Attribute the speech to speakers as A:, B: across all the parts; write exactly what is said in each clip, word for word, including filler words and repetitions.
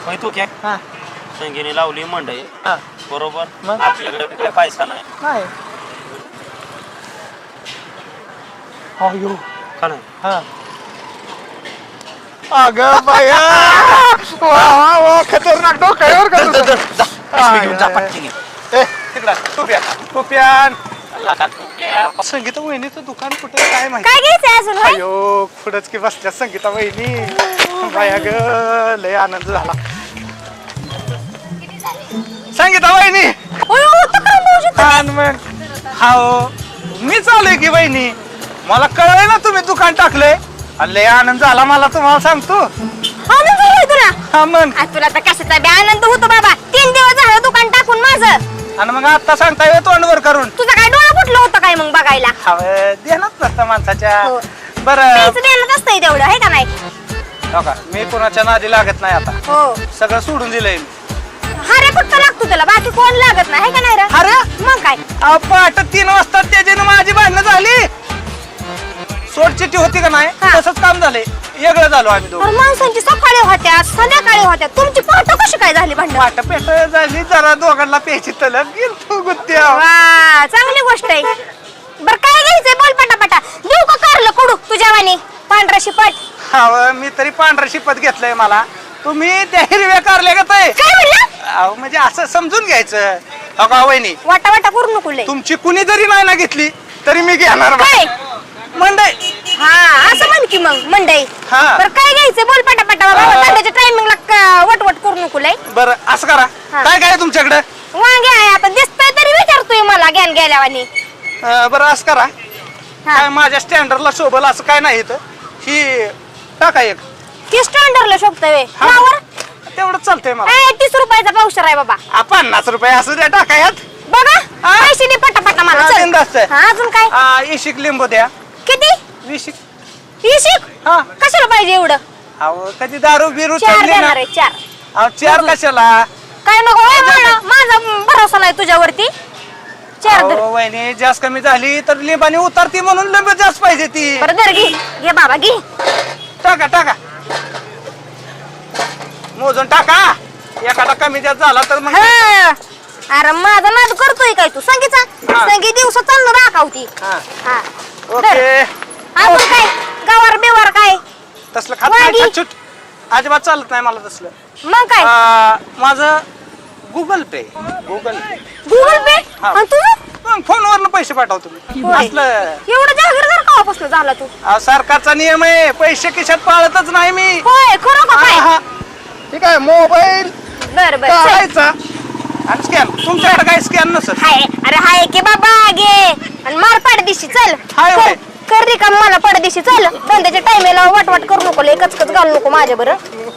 A: होय तू काय
B: हा
A: संगीने लावली मंडई
B: हा
A: बरोबर
B: मग?
A: आपल्याकडे काय पैसा नाही
B: नाही अयो
A: का नाही
B: हा अगं बाया वा वा वा खतरनाक डोक्यावर का तुझं?
A: पिशवी घेऊन जा पटकन ये.
B: ए तिकडा टोप्या टोप्यान संगीता वहिनीचं दुकान कुठे काय माहिती
C: काय घ्यायचंय अजून होय?
B: अयो पुढंच की बसल्या संगीता वहिनी बाया ग लय आनंद झाला संगीता वहिनी
C: ओय, ओ, तक्रार भाऊजी तुम्ही.
B: आणि मग हाओ मी चालू की वहिनी मला कळलंय ना तुम्ही दुकान टाकलंय आणि लय आनंद झाला मला तुम्हाला सांगतो
C: आनंद झालाय तुला
B: हा मग
C: आज तुला तर कशाचा बी आनंद होतो बाबा तीन दिवस झालं दुकान टाकून माझं
B: आणि मग आता सांगता येतो तोंडवर करून
C: तुझं काय डोळा फुटलं होतं काय मग बघायला
B: हवं देणंच नसतं माणसाच्या
C: हो.
B: बरं
C: तेच देणं असतंय तेवढं आहे का नाही
B: हो का मी कोणाच्या नादी लागत नाही आता
C: हो
B: सगळं सोडून दिलंय
C: हारे फक्त लागतो त्याला बाकी कोण लागत नाही है का नाही रे
B: अरे
C: मग काय
B: अहो, पहाटे तीन वाजता त्याच्यानं माझी भांडणं झाली सोडचिट्टी होती का नाही
C: हा.
B: तसंच काम झालंय वेगळं झालो आम्ही दोघं
C: अरे माणसांची सकाळी होत्या संध्याकाळी होत्या तुमची पहाट कशी काय झाली भांडण
B: पाट पेट झाली जरा दोघांना प्यायची तलब गेल तू गुत्त्या
C: वा चांगली गोष्ट आहे बर काय घ्यायचंय बोल पटापटा देऊ का कारलं कडू तुझ्या वाणी पांढरा शिपट
B: हा मी तरी पांढरा शिपत घेतलंय मला तुम्ही त्या हिरव्या कारल्या का
C: काय म्हणलं
B: अहो म्हणजे असं समजून घ्यायचं हो का वहिनी
C: वाटा वाटा करू नको लय
B: तुमची कुणी जरी नाही ना घेतली तरी मी घेणार बा.
C: काय
B: मंडई
C: हा असं म्हण की मग मंडई
B: हा.
C: बर काय घ्यायचंय बोल पटापटा बाबा
B: हा.
C: धंद्याच्या टायमिंगला वटवट करू नको लय
B: बरं असं करा
C: हा.
B: काय काय तुमच्याकडे
C: वांगे आहे आता दिसतंय तरी विचारतोय मला ज्ञान गेल्यावानी
B: बरं असं करा
C: हा.
B: काय माझ्या स्टँडर्डला शोभल असं काय नाही इथं ही टाका एक
C: ती स्टँडर्डला शोभतोय
B: हा.
C: फ्लावर
B: तेवढं चालतंय मला
C: ए, तीस रुपयाचा पावशर आहे बाबा
B: आ, पन्नास रुपये असं द्या टाका यात
C: बघा
B: हा.
C: पैसे दे पटापटा मला
B: हा,
C: चल.
B: बिनधास्त आहे.
C: हा, अजून काय
B: आ, इशिक लिंबू द्या
C: किती
B: विशिक
C: इशिक
B: हा
C: कशाला पाहिजे एवढं
B: अहो कधी दारू बिरू
C: चार
B: चढली ना
C: देणार आहे चार
B: अहो चार कशाला
C: काय नको होय मला माझा भरोसा नाही तुझ्यावरती चार दर
B: अहो, वहिनी जास्त कमी झाली तर लिंबाने उतरती म्हणून लिंब जास्त पाहिजे ती
C: बरं दर घे घे बाबा घे
B: टाका टाका मोजून टाका एखादा कमी जास्त झाला तर मग
C: हा. अरे माझा नाद करतोय काय तू संगीचा
B: हा.
C: संगी दिवस चाललं राखावती
B: हा
C: हा
B: ओके
C: दर. अजून काय गवार बिवार काय
B: तसलं खात नाही
C: वांगी.
B: छटछुट अजिबात चालत नाही मला तसलं
C: मग काय
B: आ, माझं Google Pay Google
C: Google Pay
B: हा.
C: आणि तुझं
B: फोनवरनं पैसे पाठवतो मी
C: होय.
B: असलं
C: एवढं जागीरदार कवापासून झाला तू
B: अहो, सरकारचा नियम आहे पैसे खिशात पाळतच नाही मी
C: होय खरं का काय
B: हा, हा. ठीक आहे मोबाईल
C: बर बर चल.
B: काढायचा आणि स्कॅन तुमच्याकडे काय स्कॅन नसत
C: हाय अरे हाय की बाबा घे आणि मार पाडदिशी चल
B: हाय, होय.
C: कर- कर रे का मला पाडदिशी चल धंद्याच्या टायमेला वाटवाट करू नको लय कचकच घालू नको माझ्या बरं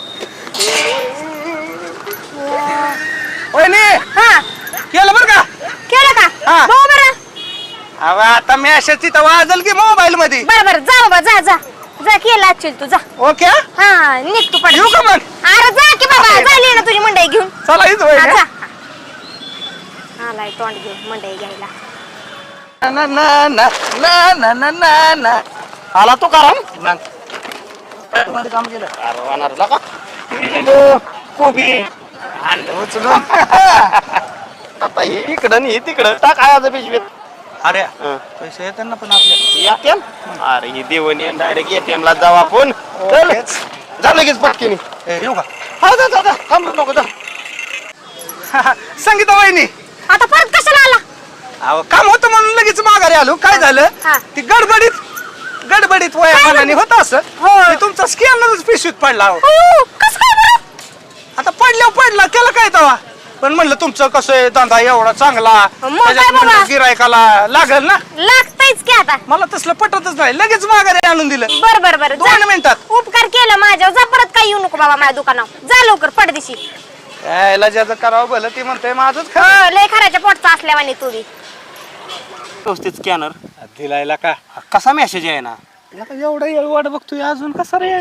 B: वहिनी
C: हा
B: केलं बरं का
C: केलं का
B: हा.
C: हो बरं
B: अहो, आता मी अशा तिथं वाजल की मोबाईल मध्ये
C: बरं बरं जा बाबा जा जा जा केला असेल तू जा
B: ओके
C: हा निघ तू पड
B: येऊ का मग
C: अरे जा की बाबा झाली ना तुझी मंडई घेऊन
B: चला इथं
C: हा,
B: वहिनी
C: जा आलाय तोंड घेऊन मंडई घ्यायला
B: ना ना ना ना ना ना ना ना आला तो कारण मग काम केलं
A: अरे वानरला का
B: कोबी
A: उचलून आता हे इकडं आणि हे तिकडं टाक आयाचं पिशवीत
B: अरे
A: हं.
B: पैसे येतात ना पण आपल्या
A: एटीएम अरे ही देवणी डायरेक्ट एटीएम ला जाऊ आपण चल
B: ओकेच.
A: जा लगेच पटकीने
B: ए, येऊ का
A: हा जा जा जा थांब नको जा
B: संगीता वहिनी
C: आता परत कशाला आला
B: अहो काम होतं म्हणून लगेच माघारी आलो काय झालं
C: हा.
B: ती गडबडीत गडबडीत वया मनाने होत असं ते तुमचा स्कॅनरच पिशवीत पडला अहो.
C: हो, कसं काय बरं
B: आता पडल्यावर पडला केलं काय तवा पण म्हणलं तुमचं कसं आहे धंदा एवढा चांगला
C: मग काय बाबा?
B: त्याच्यात गिरायकाला लागल ना
C: लागतंयच की आता
B: मला तसलं पटतच नाही लगेच माघारी आणून दिलं
C: बर बर बर
B: दोन मिनिटात
C: उपकार केला माझ्यावर जा परत काय येऊ नको बाबा माझ्या दुकानावर जा लवकर पडदिशी
B: यायला ज्याचं करावं भलं ती म्हणते माझंच
C: हो
B: खरं
C: लय खराच्या पोटचा असल्यावानी तू बी
A: व्यवस्थित स्कॅनर
B: दिलायला का
A: कसा मेसेज आहे ना
B: एवढा येळ वाट बघतोय अजून कसा रे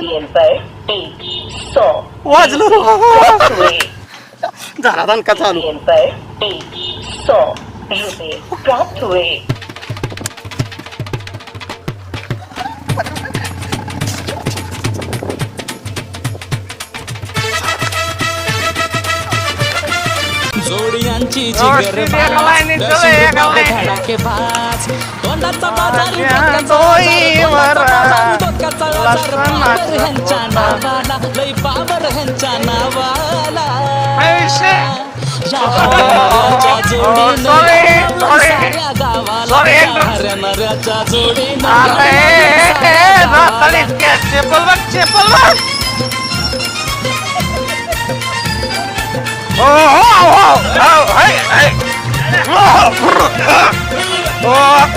A: वाजलो झाला दणका चालू
D: प्राप्त हुए
E: यांची
B: व्यवस्थित
E: जिगर
B: एका
E: बाज,
B: लाईनीत
E: दर्शन
B: चला, एका
E: रुबाब
B: लाईनीत.
E: धडाके बाज. तोंडाचा बाजार,
B: माझ्या
E: डोक्याचा
B: डोईवर
E: बाजार, तोंडाचा बाजार, डोक्याचा बाजार.
B: लसणाचा
E: पावर ह्यांच्या नावाला, लय पावर ह्यांच्या नावाला.
B: आयुष्य.
E: या हऱ्या-नऱ्याच्या जोडीनं
B: sorry,
E: गावाला,
B: sorry.
E: साऱ्या गावाला.
B: Sorry,
E: या
B: Andrew.
E: हऱ्या-नऱ्याच्या जोडीनं
B: अरे
E: गावाला, साऱ्या
B: ए,
E: गावाला.
B: नाताळीत घ्या. चेपल बघ चेपल बघ. हो हो हो हो हाय, हाय. हो.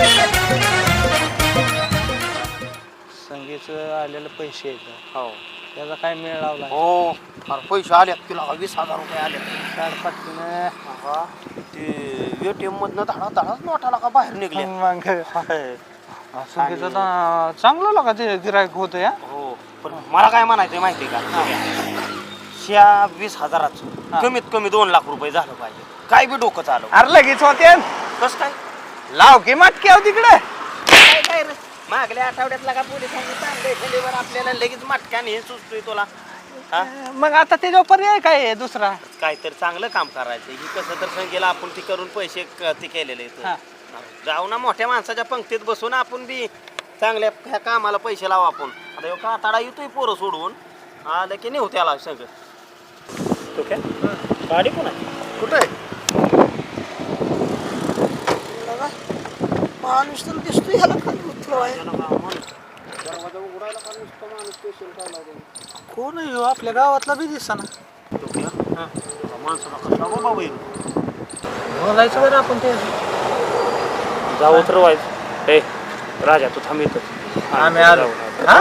B: संगीचं आलेलं पैसे आहेत हो त्याचा काय मेळ लावला
A: हो फार पैसे आले तुला वीस हजार रुपये आले
B: काढ पटकन.
A: ते एटीएम मधनं धडा धडाच नोटाला का बाहेर निघले
B: मग संगीचं ना चांगलं लागा ते गिरायक होतं या
A: हो पण मला काय म्हणायचं माहिती का ह्या वीस हजाराचं कमीत कमी दोन लाख रुपये झालं पाहिजे काय बी डोकं चालव
B: अरे लगेच होते
A: कस काय
B: लाव की मटकी आहो तिकडे
A: काय काय रे मागल्या आठवड्यातला का पोलिसांनी चांगले खंडीवर आपल्याला लगेच मटक्याने हे सुचतोय तुला हा
B: मग आता त्याचा पर्याय काय आहे दुसरा
A: काहीतरी चांगलं काम करायचं ही कसं तर संगीला आपण ती करून पैसे क- ते केलेले आहेत.
B: हा.
A: जाऊ ना मोठ्या माणसाच्या पंक्तीत बसून आपण बी चांगल्या ह्या कामाला पैसे लावू आपण आता ह्यो काताडा येतोय पोरं सोडून आलं की नेऊ त्याला सगळं तो काय गाडी कोण आहे
F: कुठे माणूस तर दिसतोय ह्याला खाली उतरवाय
A: दरवाजा उघडायला का नुसतं माणूस स्पेशल काय लावतो
B: कोण आहे ह्यो? आपल्या गावातला बी दिसना
A: माणसाला कसला बाबा होईल
B: बोलायचं बरं आपण ते
A: जाऊ उतरवायचं ए राजा तू थांब इथंच
B: आम्ही आलो हा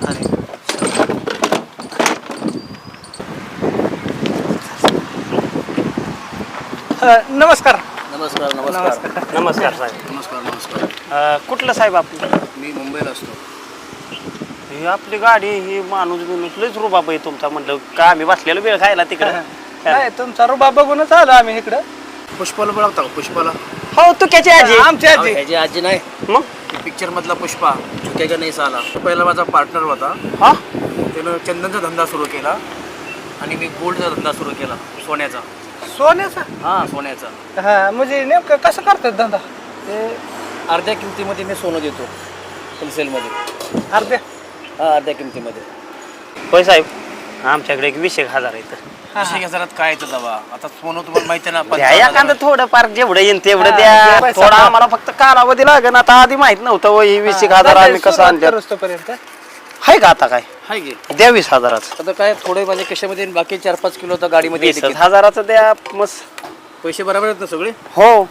B: नमस्कार
F: नमस्कार नमस्कार
A: नमस्कार साहेब
F: नमस्कार नमस्कार
A: अं, कुठलं साहेब आपलं
F: मी मुंबईला असतो
A: ही आपली गाडी ही माणूस बिनूस लयच रुबाब आहे तुमचा म्हणलं का आम्ही बसलेलो वेळ खायला तिकडं
B: नाही तुमचा रुबा बघूनच आलो आम्ही इकडं
F: पुष्पाला बोलावता का पुष्पाला
A: हो तू त्याची आजी
B: आमची आजी
F: ह्याची आजी नाही
A: मग
F: पिक्चर मधला पुष्पा चुक्याच्या नाही साला तो पहिला माझा पार्टनर होता
A: हा
F: त्यानं चंदनचा धंदा सुरू केला आणि मी गोल्डचा धंदा सुरू केला सोन्याचा
B: सोन्याचा
F: हा सोन्याचा
B: हा म्हणजे नेमकं कसं करतात धंदा
F: ते अर्ध्या किमतीमध्ये मी सोनं देतो होलसेलमध्ये
B: अर्ध्या
F: हा अर्ध्या किमतीमध्ये
A: होय साहेब आमच्याकडे एक वीस एक हजार आहेत
F: विषय हजारात काय येतं दवा आता सोनं तुम्हाला माहिती आहे ना
A: द्या
F: पंचावन्न
A: एखादं
F: हजार.
A: थोडं फार जेवढं येईन तेवढं
B: हा,
A: द्या
B: जे पैसा
A: थोडा
B: द्या.
A: आम्हाला फक्त कालावधी लागेल आता आधी माहित नव्हतं हो, ही वीस एक हजार आम्ही कसं आणलं
B: तोपर्यंत
A: आहे का आता काय
F: हाय की
A: द्या वीस हजाराचं
F: आता काय थोडे माझ्या कशामध्ये आणि बाकी चार पाच किलो आता गाडीमध्ये
A: वीस
F: येते की.
A: हजाराचं द्या मस्त
F: पैसे बरोबर आहेत ना सगळे
A: हो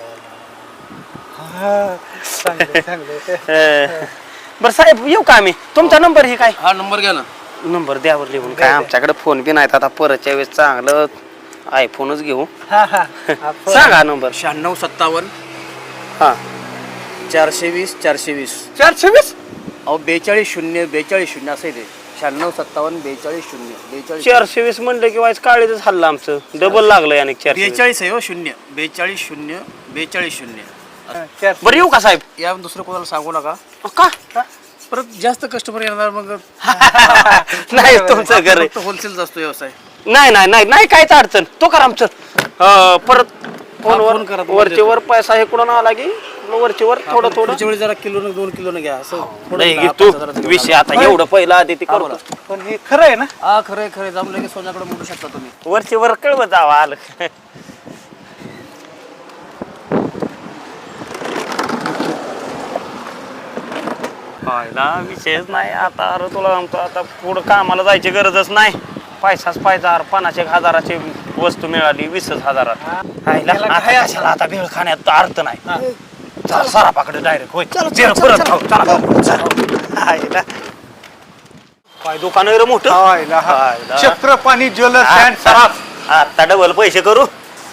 B: चांगलं चांगलं
A: अं, बरं साहेब येऊ का आम्ही तुमचा नंबर हे काय
F: हा नंबर घ्या ना
A: नंबर द्यावर लिहून काय आमच्याकडे फोन बी नाहीत आता परतच्या वेळेस चांगलं आयफोनच घेऊ
B: हा हा आपण-
A: सांगा नंबर
F: शहाण्णव सत्तावन्न
A: हा
F: चारशे वीस चारशे वीस
B: चारशे वीस
F: अहो बेचाळीस शून्य बेचाळीस शून्य असं आहे ते शहाण्णव सत्तावन्न बेचाळीस शून्य बेचाळीस
A: चारशे वीस म्हणलं की वाईस काळीच हल्लं आमचं डबल लागलं आणि चारशे वीस.
F: बेचाळीस आहे हो शून्य बेचाळीस शून्य बेचाळीस शून्य
B: चारशे
A: बरं येऊ का साहेब
F: या दुसरं कोणाला सांगू नका
A: का
F: परत जास्त कस्टमर येणार मग
A: नाही तुमचं घर आहे.
F: होलसेलचा असतो व्यवसाय
A: नाही नाही नाही नाही काहीच अडचण तो करा आमचं अं, परत फोनवर
F: फोन करा, तुम्हाला
A: वरचे वर पैसा हे कुठं आला की मग वरचे वर थोडं थोडं
F: पुढच्या वेळी जरा किलो दोन किलो घ्या असं थोडं
A: नाही
F: दहा,
A: तू
F: पाच हजाराचं घेऊन
A: विषय
F: आला.
A: आता एवढं पहिलं आधी ते
F: हा,
A: करतो
F: बोला.
B: पण हे खरं आहे ना
F: हा खरंय खरंय जाऊन लगेच सोन्याकडे म्हणू शकता तुम्ही
A: वरचे वर कळव जावा आलं पाहिला विषयच नाही आता अरे तुला आमचं आता पुढं कामाला जायची गरजच नाही पैसाच पाहिजे अरे पन्नास एक हजाराची वस्तू मिळाली वीसच हजारात पाहिला,
B: त्याला
A: आता
B: काय
A: कशाला आता भेळ खाण्यात अर्थ नाही चला सरापाकडे डायरेक्ट होय चल, परत खाऊ, चला, चला. हायला. काय दुकान आहे रे मोठं
B: हायला, हा.
A: हायला.
B: चक्रपाणी ज्वेलर्स अँड
A: आता
B: सराफ
A: आता डबल पैसे करू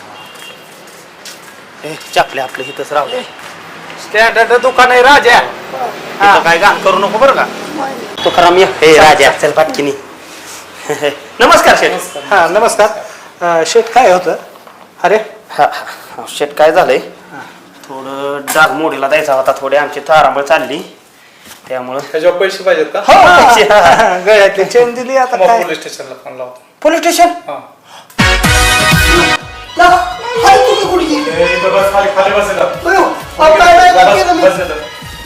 A: ए चपले आपले इथंच राहू
B: स्टँडर्ड दुकान आहे राजा
A: इथं काय घाण करू नको बरं का तुकाराम ये हे राजा चल पाटकिनी नमस्कार शेठ
B: हा नमस्कार अं, शेठ काय होतं अरे
A: हा हा, शेठ काय झालंय थोडं डाग मोडीला द्यायचा होता थोडी आमची तारांबळ चालली त्यामुळं
B: त्याच्यावर पैसे पाहिजेत का
A: हो, पैसे, हा, हा.
B: गळ्यातली चेन दिली आता काय
G: पोलीस स्टेशनला फोन लावतो
A: पोलीस स्टेशन
G: हा
A: ला-
G: बस इथं.
H: अयो, अहो, काय नाही का केलं मी?
G: बस इथं.